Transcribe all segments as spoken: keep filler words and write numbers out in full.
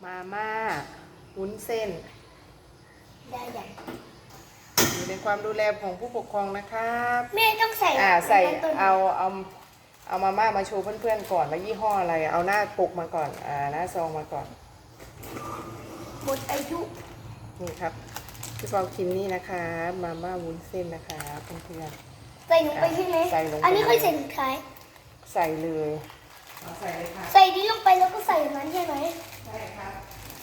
มาม่าวุ้นเส้นได้ยังอยู่ในความดูแลของผู้ปกครองนะครับแม่ต้องใส่อ่าใส่เอาเอาเอามาม่ามาโชว์เพื่อนๆก่อนว่ายี่ห้ออะไรเอาหน้าปกมาก่อนอ่าหน้าซองมาก่อนหมดอายุนี่ครับพี่เปากินนี่นะคะมาม่าวุ้นเส้นนะคะเพื่อนๆใส่ลงไปใช่ไหมใส่ลงไปอันนี้ค่อยใส่สุดท้ายใส่เลยใส่เลยค่ะใส่นี้ลงไปแล้วก็ใส่มันใช่ไหมใช่ครับ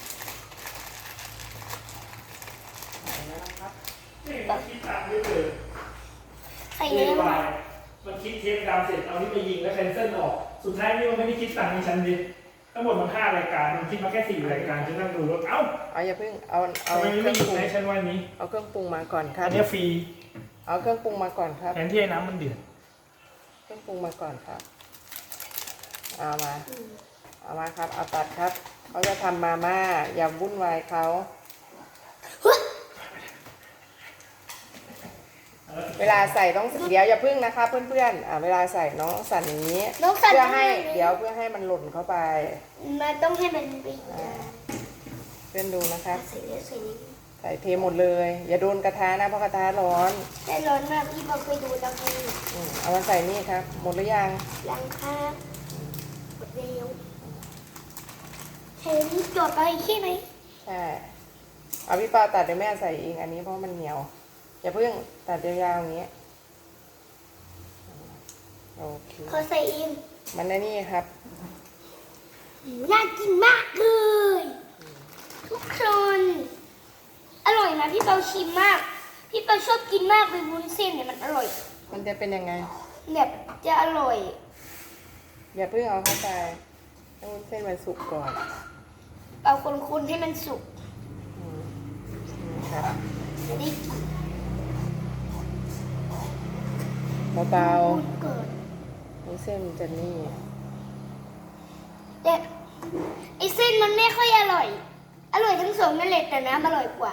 ใส่แล้วนะครับนี่มันคิดตังค์ด้วยเลยใส่นี้มันคิดเทปดำเสร็จเอานี่ไปยิงแล้วแคนเซิลออกสุดท้ายนี่มันไม่ได้คิดตังค์ในชั้นดิทั้งหมดมันห้ารายการมันคิดมาแค่สี่รายการฉันนั่งดูรถเอ้าเอาอย่าเพิ่งเอาเอาทำไมไม่ยิงในชั้นวันนี้เอาเครื่องปรุงมาก่อนครับอันนี้ฟรีเอาเครื่องปรุงมาก่อนครับแทนที่ให้น้ำมันเดือดเครื่องปรุงมาก่อนครับเอามาเอามาครับเอาตัดครับเขาจะทำมาม่าอย่าวุ่นวายเขาเวลาใส่ต้องเดี๋ยวอย่าพึ่งนะคะเพื่อนๆอ่าเวลาใส่น้องสั่นอย่างนี้เพื่อให้เดี๋ยวเพื่อให้มันหล่นเข้าไปมันต้องให้มันไปเพื่อนดูนะครับใส่เยอะใส่นี้ใส่เทหมดเลยอย่าโดนกระทะนะเพราะกระทะร้อนแต่ร้อนมากพี่บอกเคยดูแล้วไงเอามาใส่นี่ครับหมดหรือยังยังครับหมดแล้วเทนี้จดไปใช่ไหมใช่เอาพี่ปาตัดเดี๋ยวแม่ใส่เองอันนี้เพราะมันเหนียวอย่าเพิ่งตัดยาวๆอย่างนี้โอเคขอใส่เองมันได้นี่ครับน่ากินมากเลยทุกคนอร่อยนะพี่เปาชิมมากพี่เปาชอบกินมากเลยวุ้นเส้นเนี่ยมันอร่อยมันจะเป็นยังไงแบบจะอร่อยอย่าเพิ่งเอาเข้าไปให้วุ้นเส้นมันสุกก่อนเอาคนๆให้มันสุกครับจะได้กินเบาๆวุ้นเส้นมันจะนี่แต่ไอเส้นมันไม่ค่อยอร่อยอร่อยทั้งสองนั่นแหละแต่น้ำอร่อยกว่า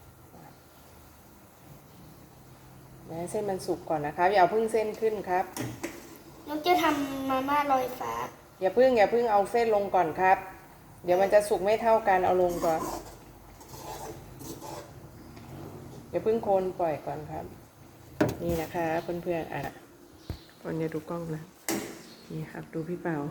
ให้เส้นมันสุกก่อนนะครับอย่าเพิ่งเส้นขึ้นครับน้องจะทำมาม่าลอยฟ้าอย่าเพิ่งอย่าเพิ่งเอาเส้นลงก่อนครับเดี๋ยวมันจะสุกไม่เท่ากันเอาลงก่อนอย่าเพิ่งโคนปล่อยก่อนครับนี่นะคะเพื่อนๆอ่ะคนจะดูกล้องนะนี่ครับดูพี่เปา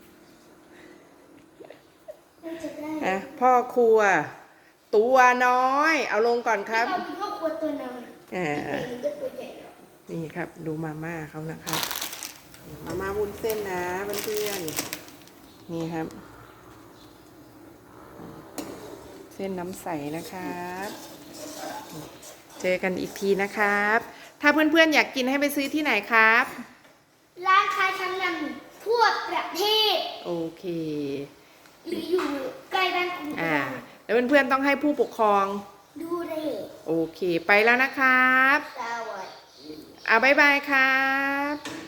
อ่ะพ่อครัวตัวน้อยเอาลงก่อนครับพ่อครัวตัวน้อยอ่านี่ครับดูมาม่าเขานะครับมาม่าวุ้นเส้นนะเพื่อนๆนี่ครับเส้นน้ำใสนะครับเจอกันอีกทีนะครับถ้าเพื่อนๆอยากกินให้ไปซื้อที่ไหนครับร้านค้าชั้นนำทั่วประเทศโอเคหรืออยู่ใกล้บ้านคุณอ่าแล้วเพื่อนๆต้องให้ผู้ปกครองดูได้โอเคไปแล้วนะครับสวัสดีอ่าบ๊ายบายครับ